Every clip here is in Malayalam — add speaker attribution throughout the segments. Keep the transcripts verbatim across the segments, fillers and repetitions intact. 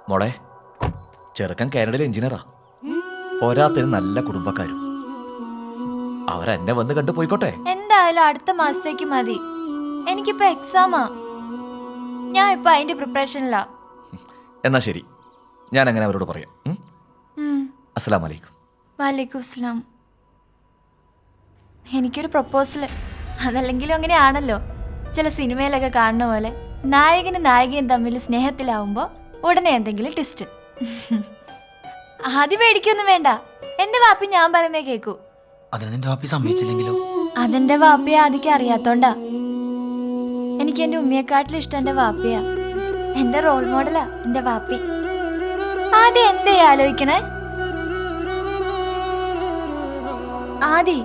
Speaker 1: മോളെ, ചെറുക്കൻ കാനഡയിലെ എഞ്ചിനീയറാ. പോരാത്തതിന് നല്ല കുടുംബക്കാരും. അവരെന്നെ വന്ന് കണ്ടു പോയിക്കോട്ടെ.
Speaker 2: എന്തായാലും അടുത്ത മാസത്തേക്ക് മതി. എനിക്കിപ്പോ എക്സാമാ. ഞാൻ ഇപ്പൊ അതിന്റെ പ്രിപ്പറേഷനിലാ.
Speaker 1: എന്നാ ശരി, ഞാൻ അങ്ങനെ അവരോട് പറയാം. അസ്സലാമു അലൈക്കും.
Speaker 2: വലൈക്കും അസ്സലാം. എനിക്കൊരു പ്രപ്പോസല്. അതല്ലെങ്കിലും അങ്ങനെയാണല്ലോ, ചില സിനിമയിലൊക്കെ കാണുന്ന പോലെ നായകനും നായികയും തമ്മിൽ സ്നേഹത്തിലാവുമ്പോ ഉടനെ എന്തെങ്കിലും ട്വിസ്റ്റ്. ആദ്യം പേടിക്കൊന്നും വേണ്ട, എന്റെ വാപ്പി ഞാൻ പറയുന്നേ കേക്കൂ. അതെന്റെ വാപ്പിയെ ആദ്യം അറിയാത്തോണ്ടാ. എനിക്ക് എന്റെ ഉമ്മയെക്കാട്ടിലും ഇഷ്ടം എന്റെ വാപ്പിയാ. എന്റെ റോൾ മോഡലാ എന്റെ വാപ്പി. ആദ്യം എന്തേ ആലോചിക്കണേ? ആദി,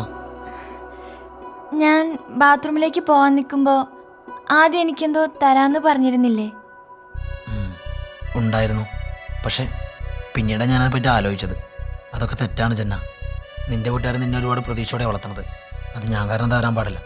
Speaker 2: ഞാൻ ബാത്റൂമിലേക്ക് പോവാൻ നിൽക്കുമ്പോ ആദ്യം എനിക്കെന്തോ തരാന്ന് പറഞ്ഞിരുന്നില്ലേ?
Speaker 3: ഉണ്ടായിരുന്നു, പക്ഷെ പിന്നീട് ഞാനതിനെ പറ്റി ആലോചിച്ചത്. അതൊക്കെ തെറ്റാണ് ജന്ന. നിന്റെ വീട്ടുകാർ നിന്നെ ഒരുപാട് പ്രതീക്ഷയോടെ വളർത്തണത്. അത് ഞാൻ കാരണം തരാൻ പാടില്ല.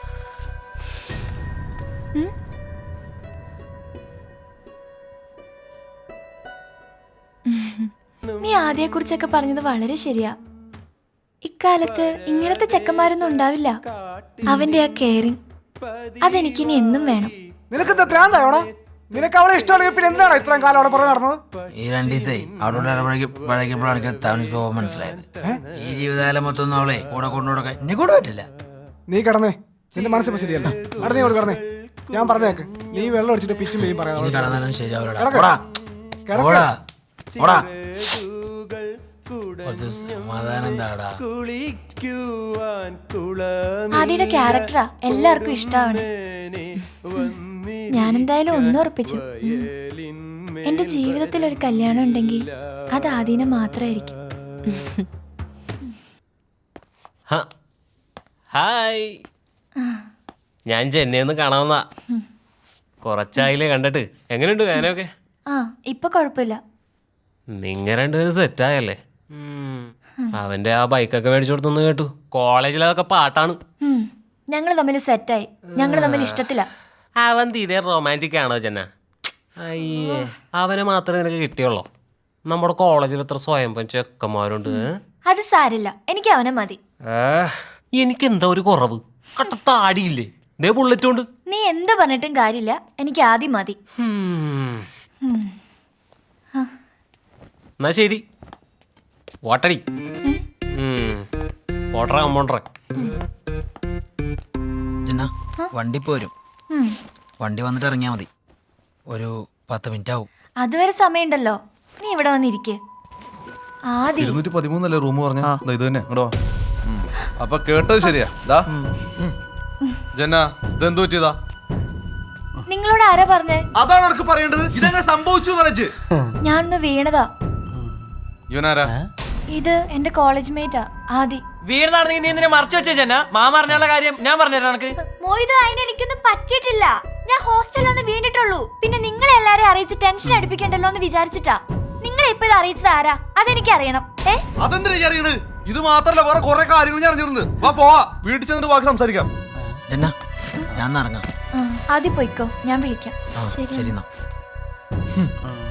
Speaker 2: നീ ആദ്യയെ കുറിച്ചൊക്കെ പറഞ്ഞത് വളരെ ശരിയാ. ഇക്കാലത്ത് ഇങ്ങനത്തെ ചെക്കന്മാരൊന്നും ഉണ്ടാവില്ല. അവന്റെ ആ കെയറിങ് അതെനിക്കിനി എന്നും വേണം.
Speaker 4: നിനക്കെന്താ ഭ്രാന്തായോടാ? നിനക്ക് അവളെ ഇഷ്ടമാണെങ്കിൽ പിന്നെ എന്താണ് ഇത്രയും കാലം അവിടെ പുറകെ നടന്നത്?
Speaker 3: ഈ രണ്ട് ദിവസമായി അവിടെ പഴകിയപ്പോഴാണ് തവണ സ്വഭാവം മനസ്സിലായത്. ഈ ജീവിതകാലം മൊത്തം അവളെ കൂടെ കൊണ്ടുകൊടുക്കാൻ എന്നെ കൂടെ പറ്റില്ല.
Speaker 4: നീ കിടന്നേ, നിന്റെ മനസ്സിപ്പോ ശരിയല്ല. അവിടെ നീ കിടന്നേ, ഞാൻ പറഞ്ഞേക്ക്. നീ വെള്ളം അടിച്ചിട്ട് പിച്ചും പെയ്യും പറയാം.
Speaker 3: കിടന്നാലും ശരിയാവില്ല. സമാധാനം താടാ.
Speaker 2: ആദിയുടെ ക്യാരക്ടറാ എല്ലാവർക്കും ഇഷ്ടമാണ്. ഞാനെന്തായാലും ഒന്നും ഉറപ്പിച്ചു. എന്റെ ജീവിതത്തിൽ ഒരു കല്യാണം ഉണ്ടെങ്കിൽ അത് ആദീനെ മാത്രമായിരിക്കും.
Speaker 5: ഹായ്, ഞാൻ ചെന്നൈന്ന് കാണാവുന്ന. കുറച്ചായില്ലേ കണ്ടിട്ട്. എങ്ങനെയുണ്ട് വേനയൊക്കെ?
Speaker 2: ആ, ഇപ്പൊ കുഴപ്പമില്ല.
Speaker 5: നിങ്ങ രണ്ടുപേരും സെറ്റായല്ലേ? അവന്റെ ആ ബൈക്കൊക്കെ മേടിച്ചു കൊടുത്തെന്ന് കേട്ടു. കോളേജിൽ അതൊക്കെ പാട്ടാണ്.
Speaker 2: ഞങ്ങൾ തമ്മിൽ സെറ്റായി. ഞങ്ങൾ തമ്മിൽ ഇഷ്ടത്തില്ല.
Speaker 5: അവൻ തീരെ റൊമാൻറ്റിക് ആണോ ചെന്ന? അയ്യേ, അവനെ മാത്രമേ നിനക്ക് കിട്ടിയുള്ളൂ. നമ്മുടെ കോളേജിൽ എത്ര സ്വയം ചെക്കന്മാരുണ്ട്.
Speaker 2: അത് സാരില്ല, എനിക്ക് അവനെ മതി.
Speaker 5: എനിക്ക് എന്താ ഒരു കുറവ്? കട്ടത്താടിയില്ലേ, ദേ ബുള്ളറ്റ് കൊണ്ട്.
Speaker 2: നീ എന്ത് പറഞ്ഞിട്ടും കാര്യമില്ല, എനിക്ക് ആദ്യം മതി.
Speaker 5: എന്നാ ശരി, വാട്ടടി. വാട്ടറ കമ്പോണ്ടറ.
Speaker 3: ജന്ന, വണ്ടി പോരും. വണ്ടി വന്നിട്ട് ഇറങ്ങിയാ മതി. ഒരു പത്ത് മിനിറ്റ് ആവും.
Speaker 2: അതുവരെ സമയമുണ്ടല്ലോ, നീ ഇവിടെ വന്നിരിക്കേ. ആദ്യം
Speaker 6: ഇരുന്നൂറ്റി പതിമൂന്നല്ലേ റൂം പറഞ്ഞ? ഇത് തന്നെ ഇങ്ങോട്ടോ. അപ്പൊ കേട്ടത് ശരിയാ. ജന്ന, ഇതെന്തു പറ്റിയതാ?
Speaker 2: നിങ്ങളോട് ആരാ പറഞ്ഞേ?
Speaker 6: അതാണ് എനിക്ക് പറയേണ്ടത്. ഇതെങ്ങനെ സംഭവിച്ചു?
Speaker 2: ഞാനൊന്ന് വീണതാ.
Speaker 6: ഇവനാരാ?
Speaker 2: ഇത് എന്റെ കോളേജ് മേറ്റാ ആദി.
Speaker 7: വീണതാണെങ്കിൽ നീ എന്തിനാ മറച്ചു വെച്ചേ ജന്ന? മാ പറഞ്ഞുള്ള കാര്യം ഞാൻ പറഞ്ഞുതരാം. എനിക്ക്
Speaker 2: മോയിത് അതിന് എനിക്കൊന്നും പറ്റിയിട്ടില്ല. ഞാൻ ഹോസ്റ്റലിൽ ഒന്ന് വീണിട്ടുള്ളൂ. പിന്നെ നിങ്ങളെ എല്ലാരെയും അറിയിച്ച് ടെൻഷൻ അടുപ്പിക്കണ്ടല്ലോ എന്ന് വിചാരിച്ചിട്ടാ. നിങ്ങളെ ഇപ്പൊ ഇത് അറിയിച്ചത് ആരാ? അതെനിക്ക് അറിയണം. ഏ,
Speaker 6: അതെന്തിനാ അറിയണത്? ഇത് മാത്രല്ല, വേറെ കുറെ കാര്യങ്ങൾ ഞാൻ അറിഞ്ഞിരുന്നു. വാ പോവാ, വീട്ടിൽ ചെന്നിട്ട് ബാക്കി സംസാരിക്കാം.
Speaker 3: ജന്ന, ഞാൻ ഇറങ്ങാം.
Speaker 2: ആദ്യം പോയിക്കോ, ഞാൻ വിളിക്കാം.
Speaker 3: ശരി.